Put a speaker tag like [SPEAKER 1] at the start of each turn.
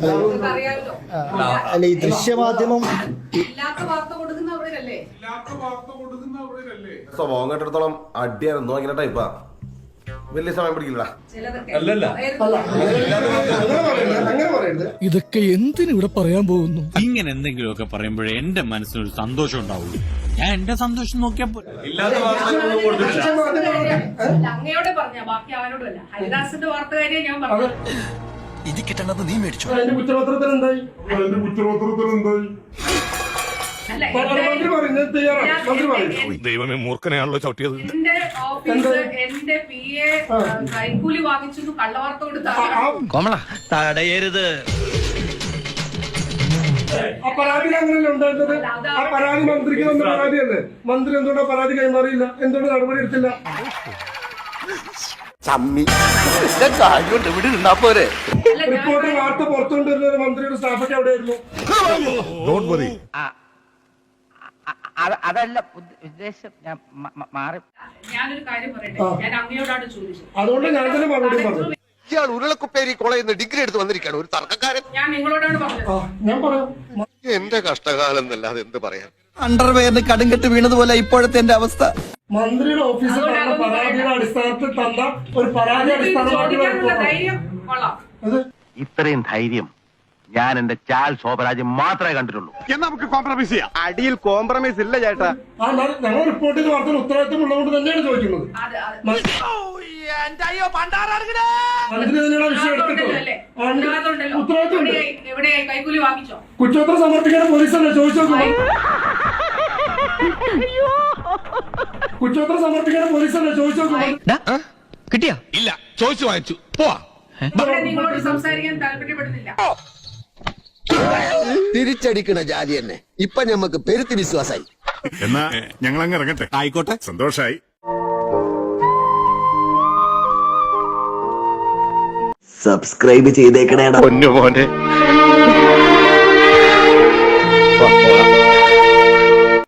[SPEAKER 1] അല്ല ഈ ദൃശ്യമാധ്യമം
[SPEAKER 2] സ്വഭാവം കേട്ടിടത്തോളം അടിയായിരുന്നു അങ്ങനെ ടൈപ്പാ വലിയ സമയം പിടിക്കില്ല.
[SPEAKER 3] ഇതൊക്കെ എന്തിനിവിടെ പറയാൻ പോകുന്നു?
[SPEAKER 4] ഇങ്ങനെ എന്തെങ്കിലുമൊക്കെ പറയുമ്പോഴേ എന്റെ മനസ്സിനൊരു സന്തോഷം ഉണ്ടാവുള്ളൂ. ഞാൻ എന്റെ സന്തോഷം നോക്കിയപ്പോ
[SPEAKER 5] അങ്ങയോടെ പറഞ്ഞ ബാക്കി അവനോടല്ല. ഹരിദാസിന്റെ വാർത്തകാരിയെ ഞാൻ പറഞ്ഞു.
[SPEAKER 3] ഇത് കിട്ടണത് നീ മേടിച്ചു.
[SPEAKER 6] കുറ്റപത്രത്തിലുണ്ടായി
[SPEAKER 2] ദൈവമേ മൂർഖനെയാണല്ലോ ചവിട്ടിയത്.
[SPEAKER 5] എന്റെ ഓഫീസ് എന്റെ PA കൈക്കൂലി വാങ്ങിച്ചു കള്ളവാർത്ത കൊടുത്ത
[SPEAKER 4] തടയരുത്.
[SPEAKER 6] ആ പരാതി അങ്ങനെയല്ലേ ഉണ്ടായിരുന്നത്? ആ പരാതി മന്ത്രിക്ക് വന്ന പരാതിയല്ലേ? മന്ത്രി എന്തുകൊണ്ടാ പരാതി കൈമാറിയില്ല? എന്തുകൊണ്ട് നടപടി എടുത്തില്ല? റിപ്പോർട്ട് വാർത്ത പുറത്തുകൊണ്ടിരുന്നത് മന്ത്രിയുടെ സ്റ്റാഫൊക്കെ എവിടെയായിരുന്നു?
[SPEAKER 7] അതല്ല ഉദ്ദേശം. ഞാൻ മാറി.
[SPEAKER 5] ഞാനൊരു കാര്യം പറയട്ടെ. ഞാൻ അങ്ങയോടാണ് ചോദിച്ചത്.
[SPEAKER 6] അതുകൊണ്ട് ഞാൻ തന്നെ മറുപടി പറഞ്ഞു.
[SPEAKER 2] ഇയാൾ ഉരുളക്കുപ്പേരി കോളേജിൽ നിന്ന് ഡിഗ്രി എടുത്ത് വന്നിരിക്കുകയാണ്, ഒരു തർക്കക്കാരൻ.
[SPEAKER 5] ഞാൻ നിങ്ങളോടാണ് പറഞ്ഞത്.
[SPEAKER 6] ഞാൻ പറയാം.
[SPEAKER 2] എന്റെ കഷ്ടകാലം എന്നല്ലാതെ എന്ത് പറയാൻ.
[SPEAKER 3] അണ്ടർവെയറിന് കടുങ്കെട്ട് വീണതുപോലെ ഇപ്പോഴത്തെ എന്റെ അവസ്ഥ.
[SPEAKER 6] മന്ത്രിയുടെ ഓഫീസിൽ തന്ന പരാതിയുടെ അടിസ്ഥാനത്തിൽ തന്ന ഒരു പരാതി
[SPEAKER 5] ചോദിക്കാനുള്ള ധൈര്യം കൊള്ളാം.
[SPEAKER 8] ഇത്രയും ധൈര്യം ഞാൻ എന്റെ ചാൽ ശോഭരാജ് മാത്രമേ കണ്ടിട്ടുള്ളൂ.
[SPEAKER 2] നമുക്ക് കോംപ്രമൈസ് ചെയ്യാം. അടിയിൽ കോംപ്രമൈസ് ഇല്ല ചേട്ടാ.
[SPEAKER 6] ഞങ്ങൾ റിപ്പോർട്ട് ചെയ്ത് വാർത്തയിൽ ഉത്തരവാദിത്വം ഉള്ളതുകൊണ്ട് തന്നെയാണ് ചോദിക്കുന്നത്. മന്ത്രി തന്നെയാണ് വിഷയം എടുത്തിട്ടുള്ളത്. ഉത്തരവാദിത്വം
[SPEAKER 5] കൈക്കൂലി വാങ്ങിച്ചോ?
[SPEAKER 6] കുറ്റപത്രം സമർപ്പിക്കാൻ പോലീസല്ലേ ചോദിച്ചു നോക്കുന്നത്? കുറ്റപത്രം സമർപ്പിക്കാൻ പോലീസല്ലേ ചോദിച്ചു നോക്കുന്നത്?
[SPEAKER 3] കിട്ടിയാ?
[SPEAKER 4] ഇല്ല, ചോദിച്ചു വാങ്ങിച്ചു. പോവാ.
[SPEAKER 5] നിങ്ങളോട് സംസാരിക്കാൻ താല്പര്യപ്പെടുന്നില്ല.
[SPEAKER 9] തിരിച്ചടിക്കണ ജാതി തന്നെ ഇപ്പൊ ഞമ്മക്ക് പെരുത്തി വിശ്വാസായി.
[SPEAKER 2] എന്നാ ഞങ്ങൾ അങ്ങ് ഇറങ്ങട്ടെ.
[SPEAKER 4] ആയിക്കോട്ടെ,
[SPEAKER 2] സന്തോഷായി.
[SPEAKER 9] സബ്സ്ക്രൈബ് ചെയ്തേക്കണേടാ
[SPEAKER 2] പൊന്നു മോനെ.